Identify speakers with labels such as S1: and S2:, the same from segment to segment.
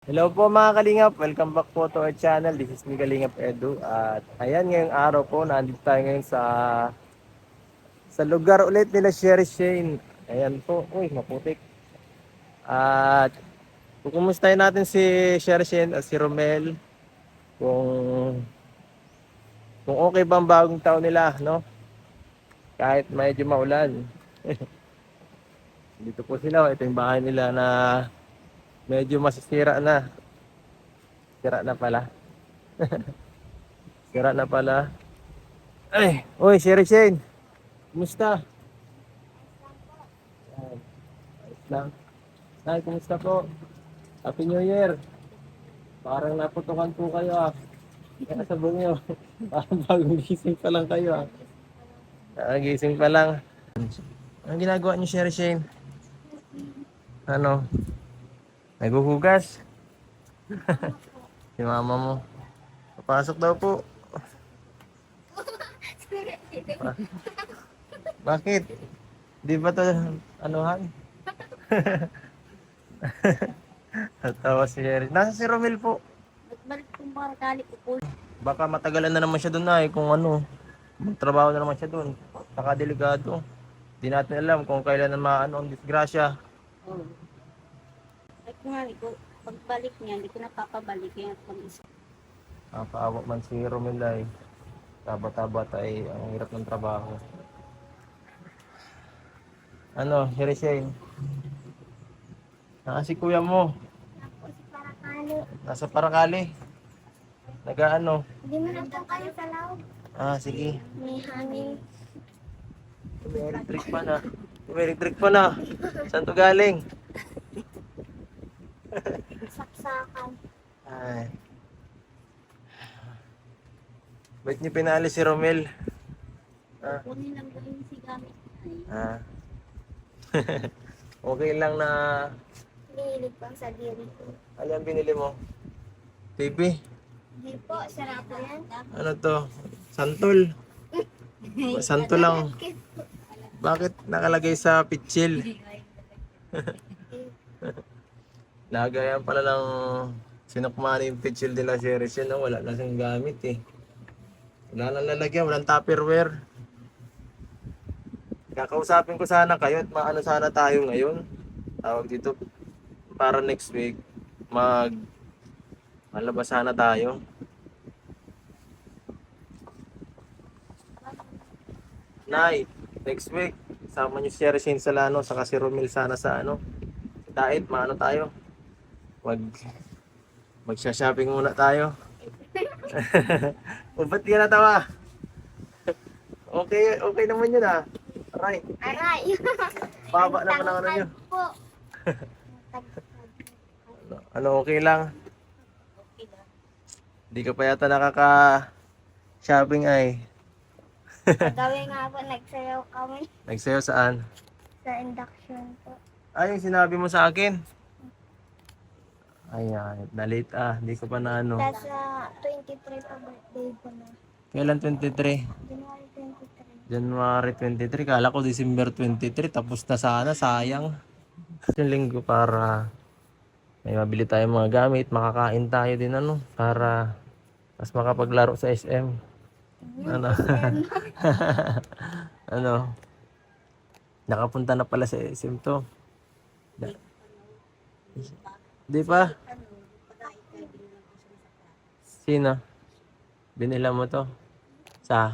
S1: Hello po mga Kalingap, welcome back po to our channel. This is me Kalingap Edu. At ayan, ngayong araw po, nandito tayo ngayon sa lugar ulit nila Sherry Shane. Ayan po, uy, maputik. At kukumustahin natin si Sherry Shane at si Romel kung okay ba ang bagong taon nila, no? Kahit medyo maulan. Dito po sila, ito yung bahay nila na medyo masisira na. Sira na pala. Sira na pala. Ay, uy, Sherry Shane. Kumusta? Yan, ayos lang. Nay, kumusta po? Happy New Year. Parang naputukan po kayo ah. Kaya sabon nyo. Parang bagong gising pa lang kayo ah. Gising pa lang. Anong ginagawa niyo, Sherry Shane? Ano? Naghuhugas? Si mama mo. Papasok daw po. Ba- Bakit? Di ba to anuhan? Tawa si Sherry. Nasa si Romel po.
S2: Balik kong barakali ko po.
S1: Baka matagalan na naman siya doon na kung ano. Magtrabaho na naman siya doon. Saka delikado. Di natin alam kung kailan na maano ang disgrasya.
S2: Oh. Ay kung nga ko, pagbalik niya, hindi ko napapabalik yan kung isa.
S1: Paawa man si Romel ay taba-taba ay ang hirap ng trabaho. Ano, Sherry Shane? Si kuya mo.
S2: Ako si Parakali.
S1: Nasa Paracali. Nagaano?
S2: Hindi mo na po kayo sa loob.
S1: Sige.
S2: May hangin.
S1: May electric pa na. May electric pa na. Saan to galing?
S2: Saksakan.
S1: Ay. Ba't niyo pinali si Romel?
S2: Kunin lang ko yung sigamit.
S1: Ah. Okay lang na
S2: Hinihilig pang sa diri ko.
S1: ano ang binili mo? TV?
S2: Hindi po, sarap po yan.
S1: Ano to? Santol? Santol lang. Bakit nakalagay sa pitsil? Lagayan pala ng sinukmani yung pitsil nila series yun. No? Wala na siyang gamit eh. Wala nang lalagyan, walang tupperware. Kakausapin ko sana kayo at maano sana tayo ngayon. Tawag dito para next week malabas sana tayo. Nay, next week sama niyo si Sherry Salano saka si Romel sana sa ano. Diet, maano tayo? Magsha-shopping muna tayo. O ba't di ka natawa? Okay naman yun ah. Aray,
S2: Aray!
S1: baba naman ang ano nyo.
S2: Po.
S1: Ano, okay lang?
S2: Okay lang.
S1: Di ka pa yata nakaka-shopping ay.
S2: Gawin nga po, nagsayaw kami
S1: Nagsayo saan?
S2: sa induction po.
S1: Ay, yung sinabi mo sa akin. Ay, na-late Di ko pa na ano.
S2: Tapos 23 pa birthday ko na.
S1: Kailan 23?
S2: January 23.
S1: January 23. Kala ko December 23. Tapos na sana, sayang. Yung linggo para may mabili tayong mga gamit. Makakain tayo din ano. Para mas makapaglaro sa SM. Ano? Ano? Nakapunta na pala sa SM to. Di pa? Sino? Binila mo to? Sa?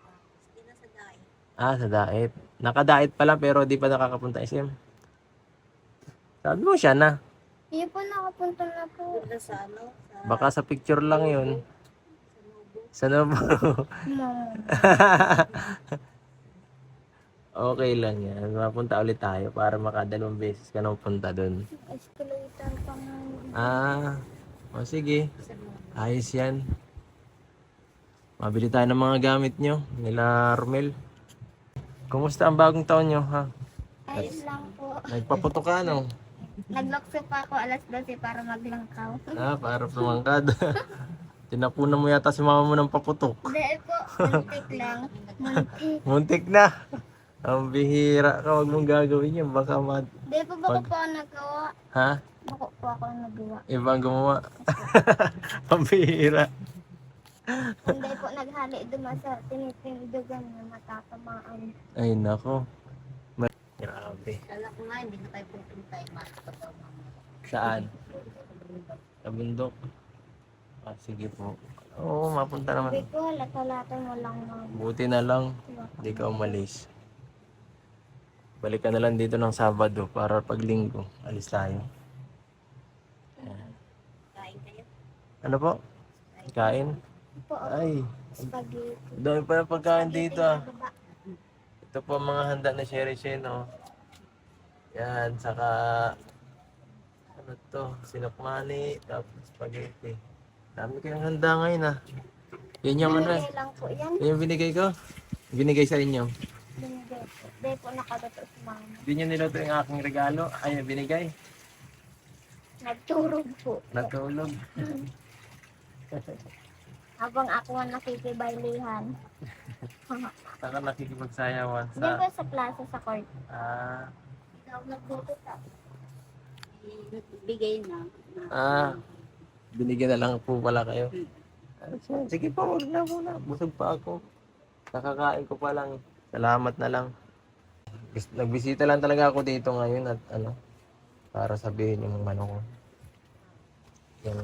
S1: Sa Daet. Naka-Daet pa lang pero di pa nakakapunta SM. Sabi mo siya na.
S2: Hindi po nakapunta na po. Sa ano?
S1: Baka sa picture lang yun. Sa Novo.
S2: Mama.
S1: Okay lang yan. Mapunta ulit tayo para makadalawang beses ka nang punta dun.
S2: Escalator pa nga.
S1: Sige. Ayos yan. Mabili tayo ng mga gamit nyo. Nila Romel. Kumusta ang bagong taon nyo, ha?
S2: Ayos lang po.
S1: Nagpaputok ka, no?
S2: Naglokso pa ako alas 12 para maglangkaw.
S1: Para pumangkad. Tinapunan mo yata si mama mo ng paputok.
S2: Hindi po, muntik lang. Muntik.
S1: Muntik na. Ang bihira ka. Huwag mong gagawin yan. Baka
S2: Hindi po ba ko po nagawa?
S1: Ha?
S3: Ako po ako ang nagawa.
S1: Ibang gumawa. Pambihira.
S3: Hindi po naghali duma sa tinitindugan na matatamaan.
S1: Ay, nako. Grabe.
S2: Kala ko nga, hindi na tayo pupunta yung makakatawa mamaya.
S1: Saan? Sa bundok. Ah, sige po. Oo, mapunta
S3: Sabi
S1: naman.
S3: ko, lata-lata mo lang mama.
S1: Buti na lang, hindi ka umalis. Balik ka na lang dito ng Sabado para pag Linggo, alis tayo.
S2: Kain kayo.
S1: Ano po? Kain?
S3: Po,
S1: Ay,
S3: spaghetti.
S1: dami pa ng pagkain dito ah.
S3: Spaghetti na baba.
S1: Ito po ang mga handa na Sherry Shen, oh. Yan, saka ano to, sinapmani, tapos spaghetti. Dami kayong handa ngayon ah. Yan yung ano eh.
S3: Binigay lang po yan.
S1: Yan yung binigay ko. Binigay sa inyo.
S3: Binigay po. Hindi po nakadato sa mama.
S1: Hindi nyo niluto yung aking regalo. Ay, binigay.
S3: Nagturog po.
S1: Natulog.
S3: Habang ako ang nakikibaylihan.
S1: Saka nakikipagsayawan
S3: Diyan po
S1: sa...
S3: sa plaza sa court.
S1: Ah,
S3: Ikaw nagluto ta.
S2: Bigay na.
S1: ah, binigyan na lang po pala kayo. Sige po, wag na muna. Busog pa ako. Nakakain ko pa lang. Salamat na lang. Nagbisita lang talaga ako dito ngayon at ano, para sabihin yung ano ko. Yung,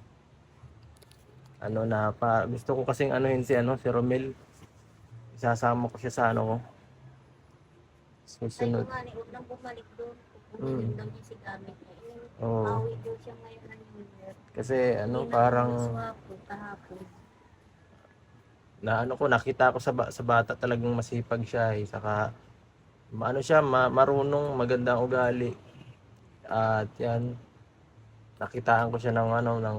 S1: ano na pa, gusto ko kasing anuhin si ano, si Romel. Isasama ko siya sa ano ko.
S2: Sabi
S1: Susunod.
S2: ko nga, huwag nang bumalik doon.
S1: Mm.
S2: Pupunin lang niya si gamit niya.
S1: Oo.
S2: Bawi doon siya ngayon ng New Year.
S1: Kasi ano,
S2: Hindi na
S1: parang
S2: swapo kahapon.
S1: na ano ko, nakita ko sa bata talagang masipag siya eh. Saka ano siya, marunong, magandang ugali. At yan, nakitaan ko siya ng ano, ng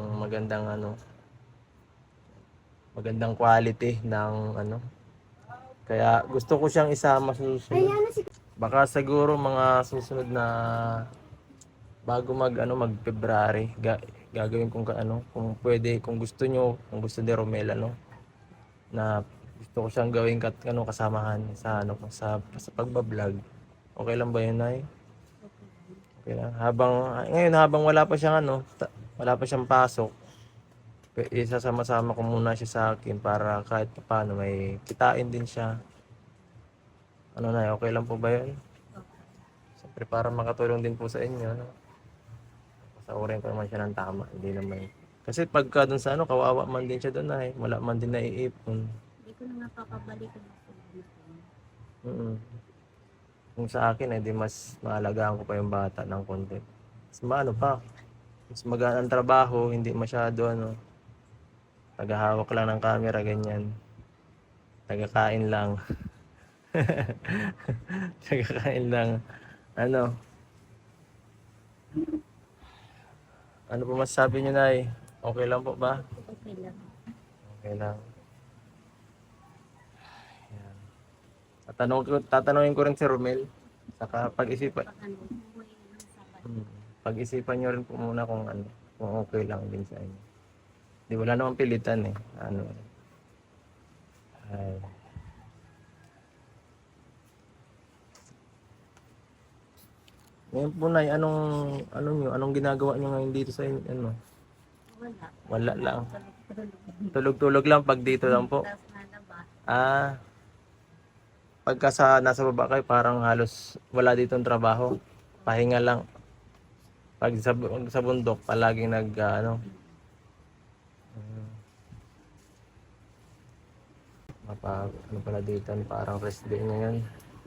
S1: magandang quality ng ano. Kaya gusto ko siyang isama sa susunod.
S3: Ayan na si
S1: Baka siguro mga susunod na bago mag February, gagawin kong ano, kung pwede, kung gusto nyo, kung gusto ni Romel ano, na gusto ko siyang gawin kasamahan sa ano sa pagba-vlog. Okay lang ba 'yun, Nay? Okay lang. Habang wala pa siyang wala pa siyang pasok, isasama-sama ko muna siya sa akin para kahit paano may kitain din siya. Ano na, okay lang po ba 'yun? Siyempre para makatulong din po sa inyo, no? Pasaurin ko naman siya ng tama, hindi naman. Kasi pagka dun sa kawawa man din siya doon ay wala man din naiipon.
S2: Hindi ko na napapabalik ang
S1: Kung sa akin ay di mas maalagaan ko pa yung bata ng konti. Mas maano pa, mas magaan ang trabaho, hindi masyado tagahawak lang ng camera ganyan. Tagakain lang. Tagakain lang. Ano? Ano po masasabi niyo, Nay? Okay lang po ba?
S2: Okay lang.
S1: Okay lang. Ayan. Tatanungin ko rin si Romel. Saka pag-isipan.
S2: Pag ano, umuwi ng Sabado.
S1: Pag-isipan nyo rin po muna kung okay lang din sa inyo. Di wala namang pilitan eh. Ano. Ay. Ngayon po, Nay, anong ginagawa nyo ngayon dito sa inyo? Ano?
S2: Wala.
S1: Wala lang.
S2: Tulog-tulog.
S1: Tulog-tulog lang pag dito lang po.
S2: Tapos nalabas.
S1: Ah, pagka nasa baba kayo, parang halos wala ditong trabaho. Pahinga lang. Pag sa bundok, palaging ano pala dito, parang rest day ngayon.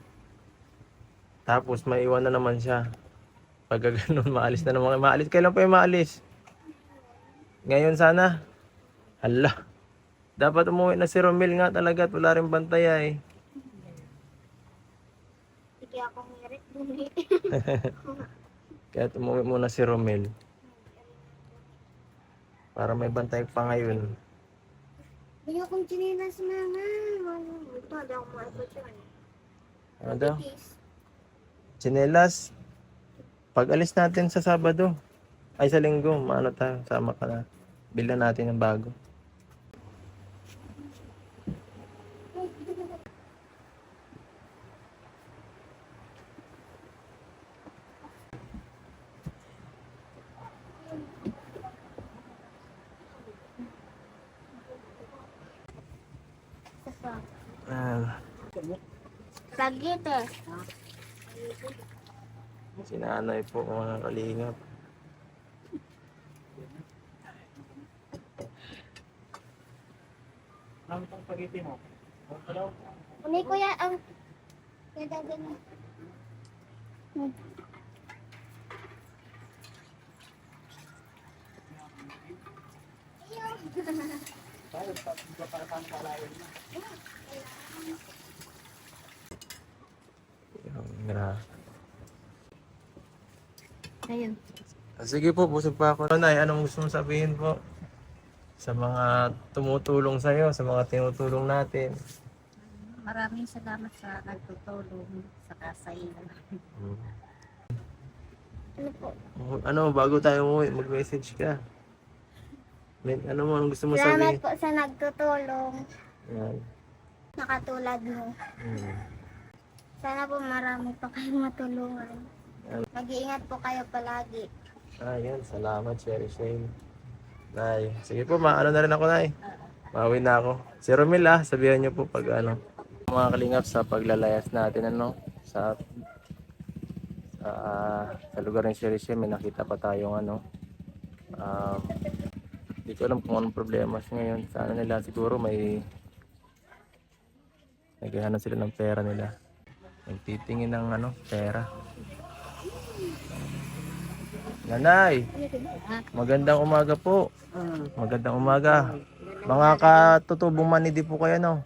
S1: Tapos maiwan na naman siya. Pag ganun, maalis na naman. Maalis, kailan pa yung maalis? Ngayon sana. Hala. Dapat umuwi na si Romel nga talaga at wala rin bantaya eh.
S3: Sige ako merit dun eh.
S1: Kaya umuwi muna si Romel. Para may bantay pa ngayon.
S3: Hindi akong chinilas mama. Ito, hindi ako maipot yun.
S1: Ano daw? Chinelas. Pag alis natin sa Sabado. Ay sa Linggo. Sama ka na. Bilhan natin ng bago.
S3: Spaghetti.
S1: Si nanay po mga kalingap.
S4: Ano itong spaghetti mo?
S3: Uni kuya ang kaya na. Ayun.
S1: Sige po, busog pa ako. Nay, anong gusto mong sabihin po? Sa mga tumutulong sa'yo, sa mga tinutulong natin.
S2: Maraming salamat sa nagtutulong sa kasay.
S3: Ano po?
S1: Ano, bago tayo umuwi, mag-message ka. Ano mo, anong gusto mo
S3: Salamat
S1: sabihin?
S3: po sa nagtutulong.
S1: Yan.
S3: Nakatulad mo. Sana po marami pa kayong matulungan. Mag-iingat po kayo palagi.
S1: Yan, salamat, Sherry Shane. Nay, sige po, maano na rin ako, Nay. Mauwi na ako. Si Romel, sabihan niyo po pag ano. Mga kalingap sa paglalayas natin, sa lugar ng Sherry Shane, may nakita pa tayong hindi ko alam kung anong problema ngayon. Sana nila siguro may naghahanap sila ng pera nila. Nagtitingin ng pera. Nanay, magandang umaga po. Magandang umaga. Mga katutubong manidi po kayo, no?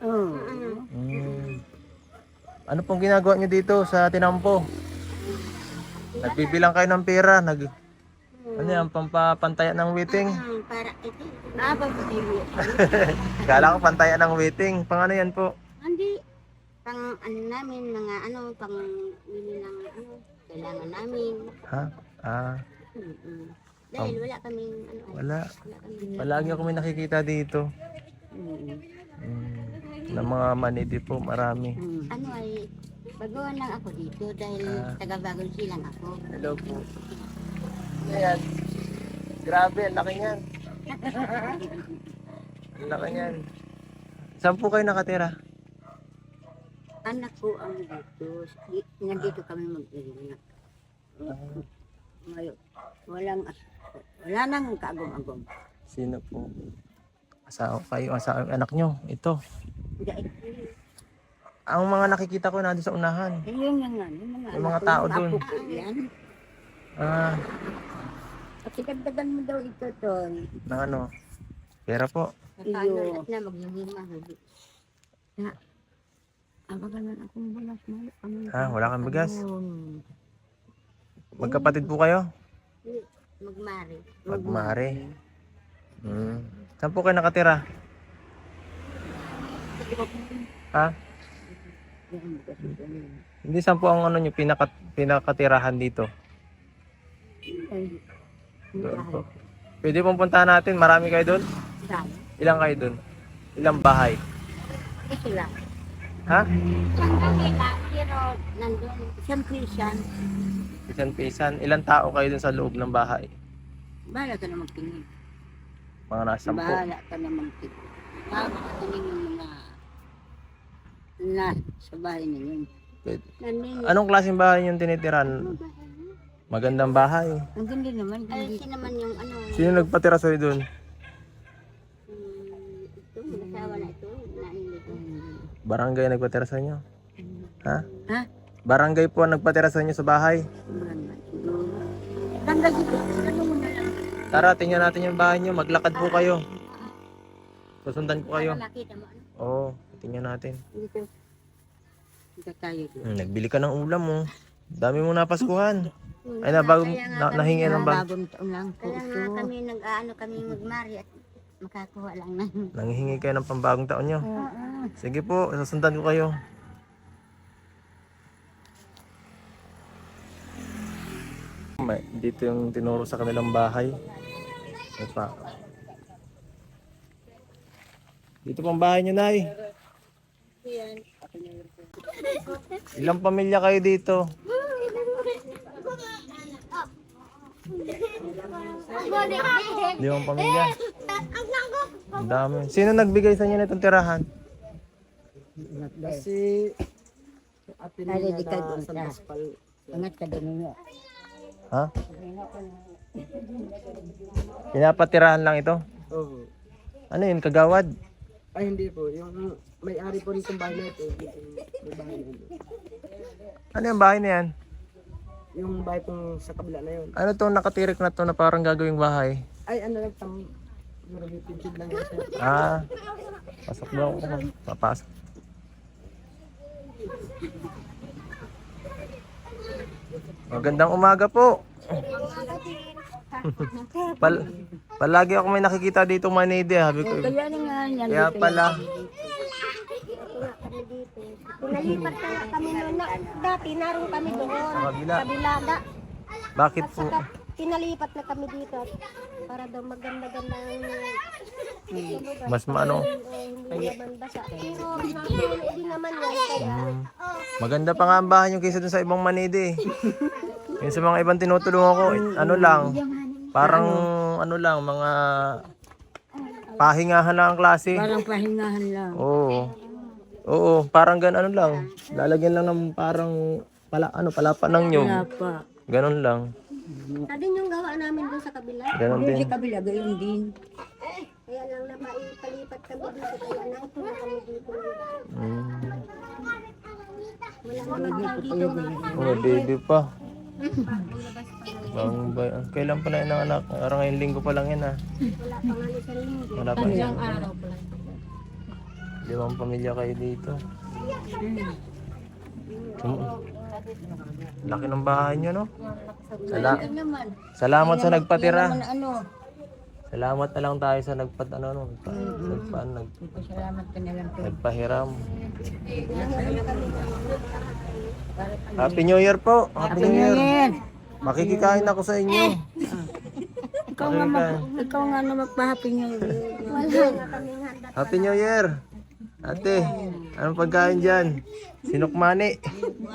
S1: Ano pong ginagawa niyo dito sa Tinampo? Nagbibilang kayo ng pera, ano yan, pampapantayan ng waiting?
S2: Para ito. Napapatili.
S1: Kala ko pantayan ng waiting. Pang ano yan po?
S2: Hindi. Pang ano namin, mga pang bili ng kailangan namin.
S1: Ha?
S2: Dahil wala kaming
S1: Wala.
S2: wala kaming
S1: Palagi ako may nakikita dito. Ng mga manidi po, marami.
S2: ay baguhan lang ako dito dahil taga-Bagong Silang ako.
S1: Hello po. Ayan. Grabe, ang laki niyan. Ang laki niyan. Saan po kayo nakatira?
S2: Anak ko ang dito. Nandito kami mag-iingat. Ngayon, wala nang kaagom-agom.
S1: Sino po? Asawa kayo, asawa anak nyo. Ito. Ang mga nakikita ko nandun sa unahan.
S2: Yun yung
S1: Yung mga tao dun.
S2: Yan.
S1: At
S2: Dagdagan mo daw ito, Ton.
S1: ng ano? Pera po.
S2: Iyo. Na maghihima. Abagalan akong bulas mo.
S1: Wala kang bigas? Magkapatid po kayo?
S2: Magmari.
S1: Magmare. Saan po kayo nakatira? Ha? Hindi, saan po ang nyo, pinakatirahan dito? Doon po. Pwede pong puntahan natin, marami kayo doon? Ilang kayo doon? Ilang bahay?
S2: Ito lang.
S1: Ha?
S2: Isang kanila, pero nandun. Isang pisan.
S1: Isang pisan. Ilang tao kayo doon sa loob ng bahay?
S2: Bahala ka na magtingin.
S1: Mga nasa 10.
S2: Bahala ka na magtingin. Makakatingin yung mga na sa bahay ninyo.
S1: Pwede.
S2: Nandun.
S1: Anong klaseng bahay yung tinitiran? Magandang bahay.
S2: Ang ganda naman. Ay, naman yung
S1: Sino nagpatira sa'yo doon?
S2: ito, mag-asawa na ito.
S1: Barangay nagpatira sa inyo? Ha?
S2: Ha?
S1: Barangay po ang nagpatira sa inyo sa bahay?
S2: Tanggal dito. Ano mo na lang.
S1: Tara, tingnan natin yung bahay nyo. Maglakad po kayo. Susundan ko kayo.
S2: Nakita mo ano?
S1: Oo, tingnan natin.
S2: Dito. Dito tayo dito.
S1: Nagbili ka ng ulam mo. Dami mong napaskuhan. Ay na, bagong nahingi ng bag.
S2: Bagong taon lang po. Kaya nga kami kami magmari at makakuha lang na.
S1: Nanghihingi kayo ng pambagong taon nyo. Sige po, susundan ko kayo. Dito yung tinuro sa kanilang bahay. Dito pang bahay nyo, Nay. Ilang pamilya kayo dito? Limang pamilya. Ang dami. Sino nagbigay sa inyo nitong tirahan?
S4: Si ate
S2: Ay,
S4: niya
S2: di ka
S4: na
S2: doon
S4: sa
S2: ka.
S4: Baspal.
S2: Angat ka din niyo.
S1: Ha? Pinapatirahan lang ito?
S4: Oo.
S1: Ano yun, kagawad?
S4: Ay, hindi po. Yung may-ari po nitong bahay na ito. May bahay na ito.
S1: Ano yung bahay na yan?
S4: Yung bahay pong sa kabila na yun.
S1: Ano to nakatirik na to na parang gagawing bahay?
S4: Ay, ano lang, pinsid lang yun, sir.
S1: Ah, pasok daw ako. Papasok. Magandang umaga po. Palagi ako may nakikita dito Manide, sabi ko.
S2: Kaya na nga yan.
S1: Kaya pala.
S3: Pinalipat na nga kami noon. Dati naroon kami doon.
S1: Sa kabila.
S3: Kabilada.
S1: Bakit
S3: At
S1: po?
S3: saka pinalipat na kami dito. Para daw maganda-ganda ang
S1: Mas maano?
S3: hindi naman basa. Pero nakaulit din naman yan. Kaya
S1: Maganda pa nga ang bahay nyo kaysa dun sa ibang Manide. Yung sa mga ibang tinutulungan ko, ano lang, parang ano lang, mga pahingahan lang ang klase.
S2: Parang pahingahan lang.
S1: Oo. Oo, parang ano lang. Lalagyan lang ng parang palapa ng nyog.
S2: Wala pa.
S1: Ganon lang.
S3: sa din yung gawa namin doon sa kabila.
S1: Ganon
S2: Doon
S1: din.
S2: sa kabila, gayon din.
S3: Kaya lang na maipalipat kami dito. Kaya naito na kami dito.
S1: Mm.
S3: Wala naman tao dito nga.
S1: Oh, baby pa. Kailan pala yun ang anak? Parang ngayong linggo pa lang yan ah.
S3: Wala pa nga isang linggo.
S1: Wala pa isang araw pa lang. 5 pamilya kayo dito. Laki ng bahay nyo, no? Salamat sa nagpatira.
S2: Ano?
S1: Salamat na lang tayo sa
S2: Salamat ka na lang po.
S1: nagpahiram. Happy New Year po. Happy New Year. Makikikain ako sa inyo.
S2: Ikaw nga na magpa-happy niyo.
S3: Wala nga kaming handa.
S1: Happy New Year. Ate, anong pagkain dyan? Sinukmani.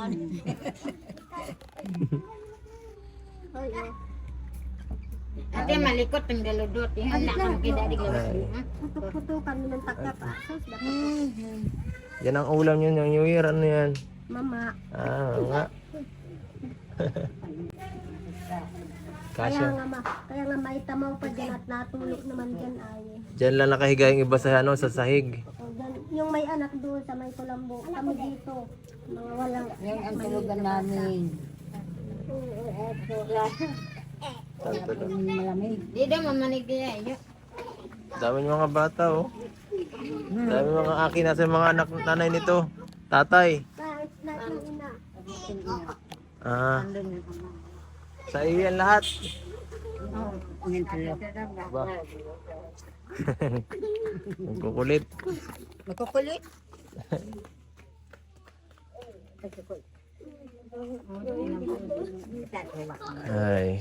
S5: Ate malikot ang galudot. Yan na kang kidadig
S1: Ay,
S3: Puto kami ng pagkapasos.
S1: yan ang ulam nyo ng New Year. Ano yan?
S3: Mama.
S1: Ah, nga. Kasya.
S3: Kaya nga may tamaw pa dyan at natulog naman dyan ay.
S1: Diyan lang nakahiga yung iba sa, sa sahig.
S3: O, dyan, yung may anak doon sa may kulambo. Kami dito. Mga walang.
S2: Yan ang tulugan namin. Malamig.
S5: Di daw mamanig niya.
S1: Dami yung mga bata, oh. Dami mga akin. Nasa yung mga anak nanay nito. Tatay.
S3: Kahit na yung ina.
S1: Ah. Sa iyo yan lahat.
S2: Ngayon tulo.
S1: Ba? Magkukulit.
S2: Magkukulit.
S1: Ay.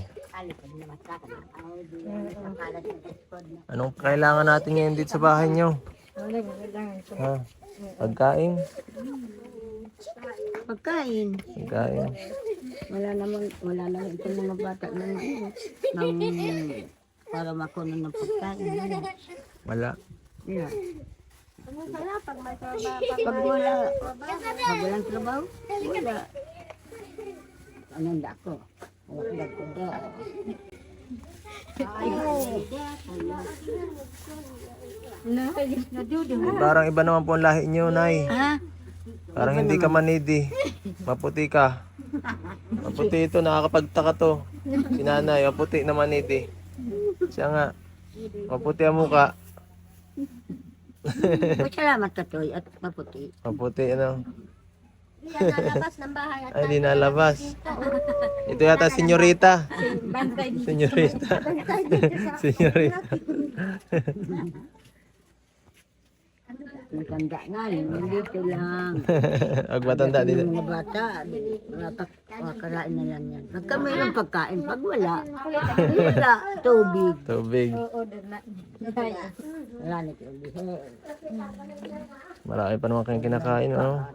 S1: Anong kailangan natin ngayon dito sa bahay nyo? Ha? Pagkain?
S2: Pagkain.
S1: Pagkain.
S2: Wala naman ito mga bata na para makunan ng pagkain.
S1: Wala.
S2: Yeah.
S3: Ano sana pag may
S2: Pag walang trabaho, wala. Anong dako? Wala ko daw.
S1: Parang iba naman po ang lahi nyo, Nay.
S2: Ha?
S1: Parang hindi ka manidi. Maputi ka. Maputi ito, nakakapagtaka to. Si Nanay, maputi na manidi. Siya nga, maputi ang muka.
S2: Salamat ka, Toy, at maputi.
S1: Maputi, ano.
S3: Hindi yan nalabas ng bahay at
S1: Ay, di nalabas. Ito yata, senyorita. Senyorita. Senyorita.
S2: Matanda nga, dito lang.
S1: Pag matanda
S2: Yung
S1: dito.
S2: mga bata, makakarain na lang yan. Pag kami ng pagkain, pag wala, tubig.
S1: Tubig.
S2: Wala na tubig.
S1: Marami pa naman kayong kinakain, ano?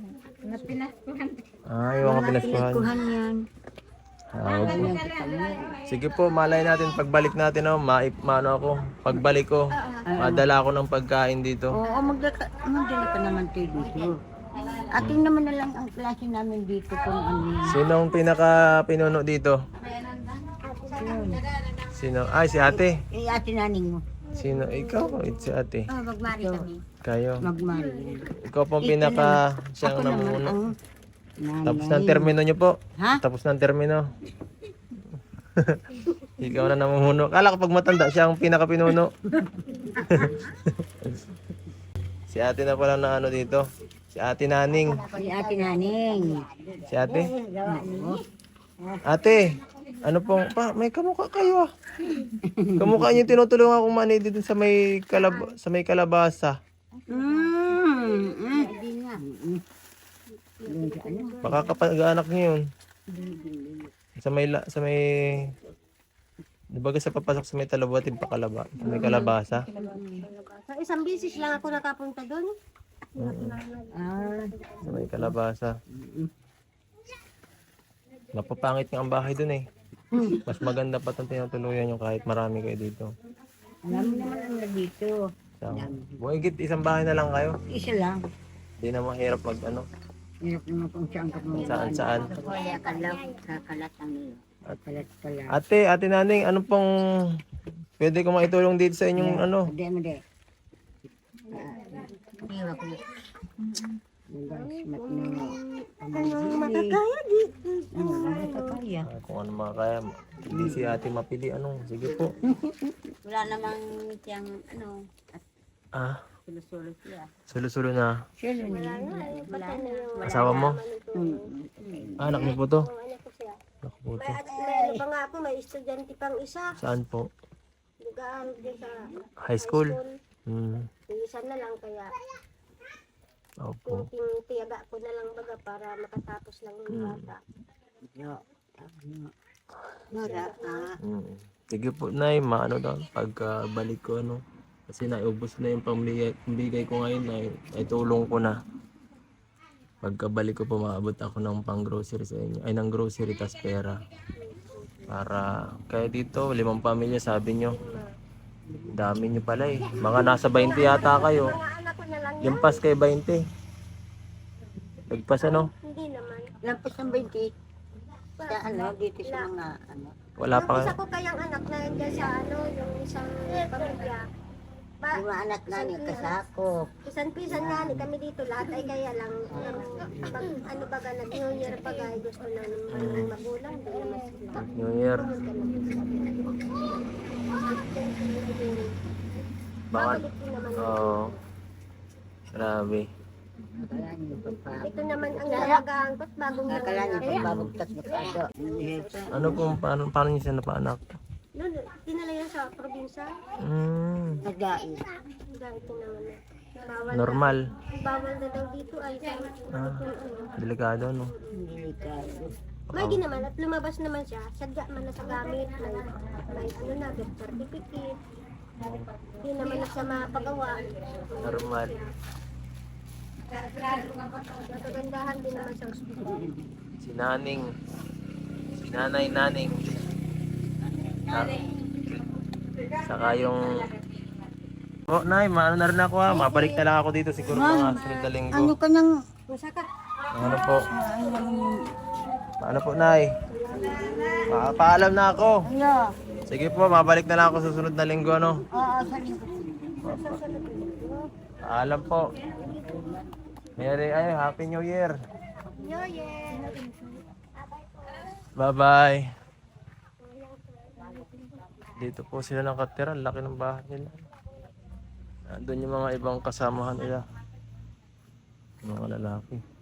S1: Ah, yung mga pinaskuhan.
S2: Kuhan yan.
S1: Ah, sige po, malay natin pagbalik natin, oh, maano ako. Pagbalik ko, madala ako ng pagkain dito.
S2: Oo, magdala ka naman tayo dito. Ating naman na lang ang klase namin dito kung ano yun.
S1: Sinong pinaka-pinuno dito? Sino? Ay, si ate.
S2: Eh, ate naning mo.
S1: Sino? Ikaw? Si ate.
S5: Oh, magmari kami.
S1: Kayo.
S2: Magmari.
S1: Ikaw pong
S2: Ito
S1: pinaka siyang
S2: Ako naman
S1: namumuno.
S2: ang nanay.
S1: Tapos ng termino nyo po.
S2: Ha?
S1: Tapos ng termino. Ikaw na namumuno. Kala ko pag matanda siya ang pinaka-pinuno. Si ate na pala na ano dito. Si ate Naning.
S2: Si ate naning.
S1: Si ate. Ate, ano pong, may kamukha kayo ah. Kamukha niyo yung tinutulungan kong mani dito sa may kalabasa.
S2: Hindi nga.
S1: Baka kapag-anak niyo yun. Sa may, di ba sa papasok sa may talabuatin pa kalaba, sa may kalabasa.
S3: So, isang bisis lang ako nakapunta doon.
S1: Sa may kalabasa. Mapapangit nga ang bahay dun eh. Mas maganda pa itong tinutuluyan nyo kahit marami kayo dito.
S2: Alam naman ang dito.
S1: Buwagit, isang bahay na lang kayo.
S2: Isa lang.
S1: Hindi na mahirap mag ano,
S2: Hirap naman kung saan ka pumunta.
S1: saan.
S2: Kaya kakalat ang iyo. Kalat.
S1: Ate Naning, ano pong pwede ko maitulong dito sa inyong ano?
S2: Hindi. Iwa ko.
S3: Makakaya di.
S2: Nakakaya.
S1: Kung ano mga kaya, hindi si ate mapili. Ano? Sige po.
S2: Wala namang siyang
S1: Ah,
S2: sulo-sulo siya.
S1: sulo-sulo na.
S2: Siya na.
S1: Asawa mo? Ah, anak niyo po to?
S3: Ano ko siya?
S1: Anak po to.
S3: May ano pa nga ako, may estudyante pang isa.
S1: Saan po?
S3: Nag-aaral din sa
S1: High school?
S3: school.
S1: Hmm.
S3: Isa na lang kaya
S1: Opo.
S3: tiyaga ko na lang baga para makatapos lang yung bata.
S2: Nora,
S1: Mm. Sige po, Nay, maano daw, pagkabalik ko, ano, kasi naubos na yung pambigay ko ngayon, ay tulong ko na. Pagkabalik ko po, maabot ako ng pang-grocery sa inyo, ay ng grocery tas pera. Para, kaya dito, 5 pamilya, sabi nyo, dami nyo pala eh. Mga nasa 20 yata kayo.
S3: Mga anak ko na lang yan.
S1: Yung pas kay 20. Nagpas ano?
S3: Hindi naman.
S2: lampas ng 20. Sa dito sa mga
S1: Wala
S3: Yung
S1: pa.
S3: isa ko kayang anak na yun sa yung isang pamilya.
S2: Yung anak na niya kasakop.
S3: Pisan-pisan nga ni kami dito lahat ay kaya lang pag ano baga nag-New Year pag ay gusto na ng magulang di naman sila.
S1: New Year. Baka,
S3: Balik din naman.
S1: oo. Grabe.
S2: Akala niyo
S3: Ito naman ang nalagaan ko't bagong
S2: Akala niyo
S3: nangyari.
S2: pagbabagtas na kaso.
S1: Ano po, paano niyo siya napaanak?
S3: Noon, dinala yan sa probinsya.
S2: Nagdain.
S3: Dahil ito naman na. Bawal
S1: Normal.
S3: Bawal na daw dito ay sa
S1: Delikado, no?
S3: May ginaman at lumabas naman siya. Sadya man na sa gamit. May ano na, birth certificate. Hindi naman na siya mapagawa.
S1: Normal.
S3: Nakagandahan din naman sa ospital.
S1: Si Naning. Si Nanay Naning. Saka yung... Oh, Nay, maano na rin ako ha. Mabalik na lang ako dito siguro mga sunod na linggo.
S2: Ano ka nang
S1: Ano po? Paano po, Nay? Paalam na ako. Sige po, mabalik na lang ako sa sunod na linggo, no?
S2: sa linggo.
S1: Paalam po. Happy New Year.
S3: New Year!
S1: Bye-bye. Dito po sila nakatira. Laki ng bahay nila. Nandun yung mga ibang kasamahan nila. Mga lalaki.